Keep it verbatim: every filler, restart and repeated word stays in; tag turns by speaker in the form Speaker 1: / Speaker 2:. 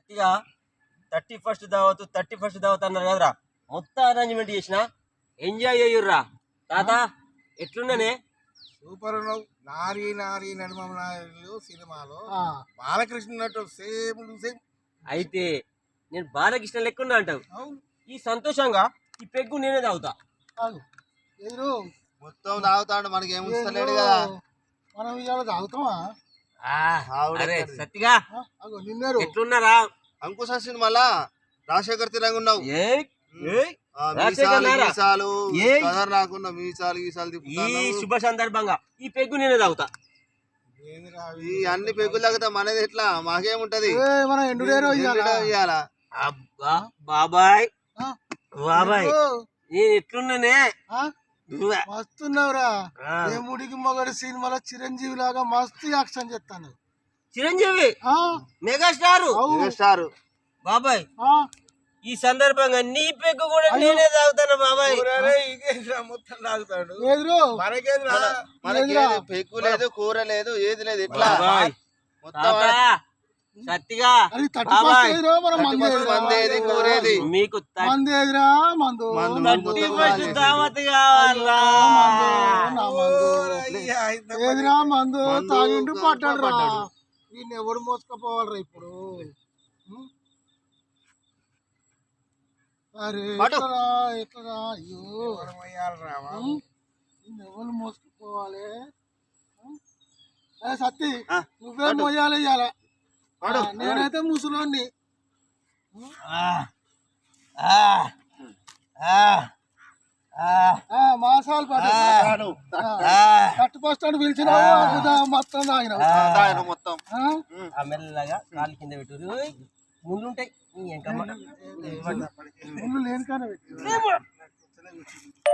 Speaker 1: సత్తిగా thirty first దావత్ thirty first దావత్ అన్నారు కదరా, మొత్తం అరేంజ్మెంట్ చేసిన ఎంజాయ్ చేయుర్రా. తాత ఎట్లున్నానే?
Speaker 2: సూపర్ ఉన్నావు. నారీ నారీ నడుమలు సినిమాలో బాలకృష్ణ నటు సేమ్ సేమ్.
Speaker 1: అయితే నేను బాలకృష్ణ లెక్కున్నా అంటావు. ఈ సంతోషంగా ఈ పెగ్గు నేనే తాగుతా.
Speaker 3: ఎదురు
Speaker 2: మొత్తం తాగుతాడు, మనకి ఏముంచలేడు కదా.
Speaker 3: మనం ఇవాళ తాగుతామా?
Speaker 1: అరే సత్తిగా
Speaker 3: నిన్నారు
Speaker 1: ఎట్లున్నారా?
Speaker 2: అంకుశ సినిమాలా రాజశేఖర్ తిరంగా ఉన్నావు.
Speaker 1: రాకున్న
Speaker 2: మీసాలు
Speaker 1: ఈ శుభ సందర్భంగా ఈ పెగ్గు నేనే తాగుతా.
Speaker 2: ఈ అన్ని పెగ్గులు తాగుతా, మనది ఎట్లా మాకేముంటది?
Speaker 3: మన ఎండుడేరో
Speaker 2: ఇయ్యాలా?
Speaker 1: అబ్బా బాబాయ్ బాబాయ్ నేను ఎట్లున్నానే?
Speaker 3: మస్తున్నావురా. ముడికి మొగడు సినిమాలో చిరంజీవి లాగా మస్తు యాక్షన్ చేస్తాను.
Speaker 1: చిరంజీవి మెగాస్టార్
Speaker 2: స్టార్
Speaker 1: బాబాయ్. ఈ సందర్భంగా నీ పెగ్గు కూడా నేనే తాగుతాను బాబాయ్.
Speaker 2: మొత్తం తాగుతాడు.
Speaker 3: పెగ్గు
Speaker 2: లేదు, కూర లేదు, ఏది లేదు. ఎట్లా
Speaker 1: సత్తిగా మీకు దావత్ కావాలా?
Speaker 3: ఏదిరా మందు తాగిండు పట్టాడు రా. ఈయన ఎవడు మోసుకపోవాలరా ఇప్పుడు? అరే ఎట్లరా ఎట్లరా? అయ్యో ఎవరు మోసుకుపోవాలి? సత్తి నువ్వే మోయాలి ఇయ్యాల. నేనైతే ముసలోని మాసాలు పట్టు కట్టు పోస్తాడు పిలిచిన మొత్తం తాగిన
Speaker 2: మొత్తం
Speaker 1: మెల్లగా కాలు కింద పెట్టు. ముందుంటాయి
Speaker 3: ముందు లేని కానీ